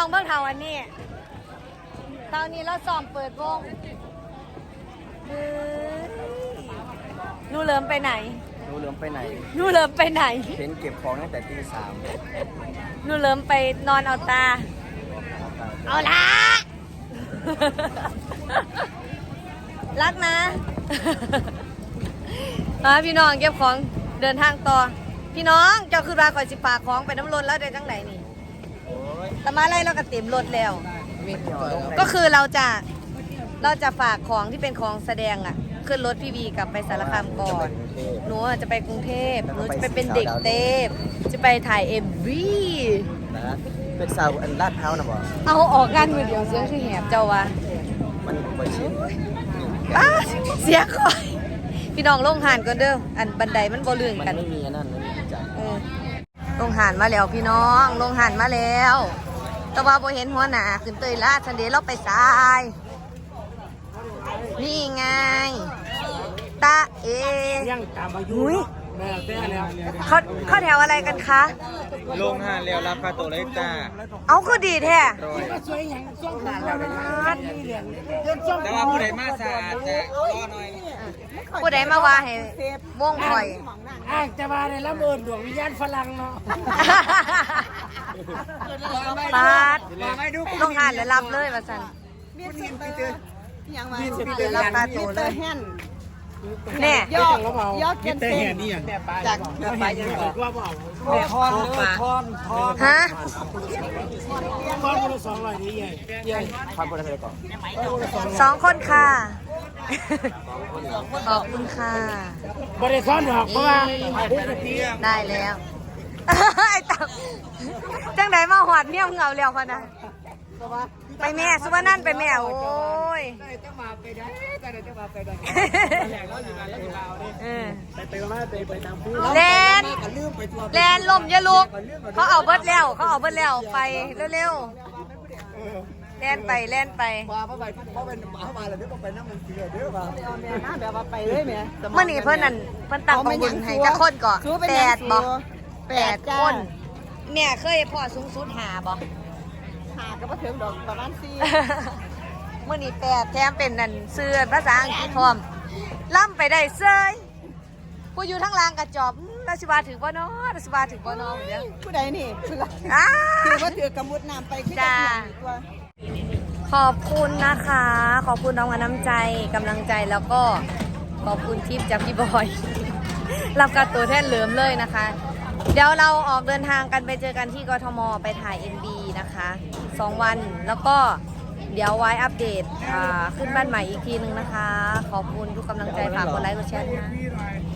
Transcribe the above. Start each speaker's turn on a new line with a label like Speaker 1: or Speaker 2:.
Speaker 1: องเบิ่งเท่าอันนี้ตอนนี้เราซ้อมเปิดวงนูเริ่มไปไหน
Speaker 2: นูเริ่มไปไหนเห็นเก็บของตั้งแต่ตี 3
Speaker 1: นูเริ่มไปนอนเอาตาเอาละรักนะพี่น้องเก็บของเดินทางต่อพี่น้องเจ้าคือราคอยสิฝากของไปน้ำรถแล้วได้จังไหนนี่แต่มาไล่เราก็เต็มรถแล้วก็คือเราจะฝากของที่เป็นของแสดงอ่ะขึ้นรถพี่วีกลับไปสารคามก่อนหนูจะไปกรุงเทพหนูจะไปเป็นเด็กเทพจะไปถ่ายMV
Speaker 2: นะเป็นสาวอันลาดเท้านะบ่
Speaker 1: เอาออกงานมือเดียวเสียงคือแหบเจ้าวะ
Speaker 2: มันบ่ชิน
Speaker 1: เสียคอยพี่น้องลงหานก่อนเด้ออันบันไดมันบ่ลื่นกัน
Speaker 2: มันไม่มีนั่นไม่มีจัง
Speaker 1: ลงหานมาแล้วพี่น้องลงหานมาแล้วแต่ว่าบ่เห็นหัวหน้าขึ้นเตยลาดซันเดย์เราไปสายนี่ไงตาเอ
Speaker 3: ยังตามอายุแม่แต่แล้ว
Speaker 1: เขาแถวอะไรกันคะ
Speaker 2: ลงหานแล้วรับค่าตัวเลยจ้า
Speaker 1: เอาก็ดีแท้
Speaker 3: สวยอย่างช่วงนั้นแล้วนี่เหรียญเดินช่วง
Speaker 2: แต่ว่าผู้ใดมาสะอาดจะรอหน่อย
Speaker 1: ผู้ใดมาว่าให้วงข่อย
Speaker 3: จะมาในละเมินดวงวิญญาณฝรั่งเนาะ
Speaker 1: ปาดลงหานแล้วรับเลยว่าซั่นรับตาโตเลยแน่
Speaker 3: ยอดเกินเส้นจากไปยังบอกว่าเปล่า
Speaker 1: ฮะ
Speaker 3: ทอนคนละ200นี่ใหญ่
Speaker 2: ทอนคนละเท่าไหร่ก่อน
Speaker 1: 2 คนค่ะขอบคุณค่ะ
Speaker 3: บริษัทดอกเพราะว่า
Speaker 1: ได้แล้วไอ้ตับจังไหนมาหอดเมี่ยงเงาเร็วพอนะไปแม่สุวรรณนั่นไปแม่โอ้ย
Speaker 3: จะมาไปได้จะมาไปได้ไปตามผู้
Speaker 1: แลนลมอย่าลุกเขาเอาเบิดแล้วไปเร็วๆแลนไป
Speaker 3: เพราะเป็นหมามาแล้วเดี๋ยวไปนั่งมันเสือเดี๋ยวมาแบบว่าไปเลยแม่
Speaker 1: เมื่อนี้เพิ่นนั่นเพิ่นตั้งของบุญให้จะคนก่อน8 บ่ 8 คนแม่เคยพ่อสูงสุด5 บ่
Speaker 3: ก็มาถึงดอกประมาณ
Speaker 1: 4มื้อนี้8แถมเป็นนั่นเสื้อภาษาอังกฤษพร้อมล่ำไปได้เซยผู้อยู่ทั้งล่างกระจอบราชบาถือบ่เนาะราชบาถือบ่เนาะเดี๋ยว
Speaker 3: ผู้ใดนี่คือว่าถือกำมุดน้ำไป
Speaker 1: จ้าขอบคุณนะคะขอบคุณน้องน้ำใจกำลังใจแล้วก็ขอบคุณทิปจากพี่บอยรับการตัวแทนเหลิมเลยนะคะเดี๋ยวเราออกเดินทางกันไปเจอกันที่กทมไปถ่าย MV นะคะ2 วันแล้วก็เดี๋ยวไว้อัปเดตขึ้นบ้านใหม่อีกทีนึงนะคะขอบคุณทุกกำลังใจฝากกดไลค์กดแชร์นะ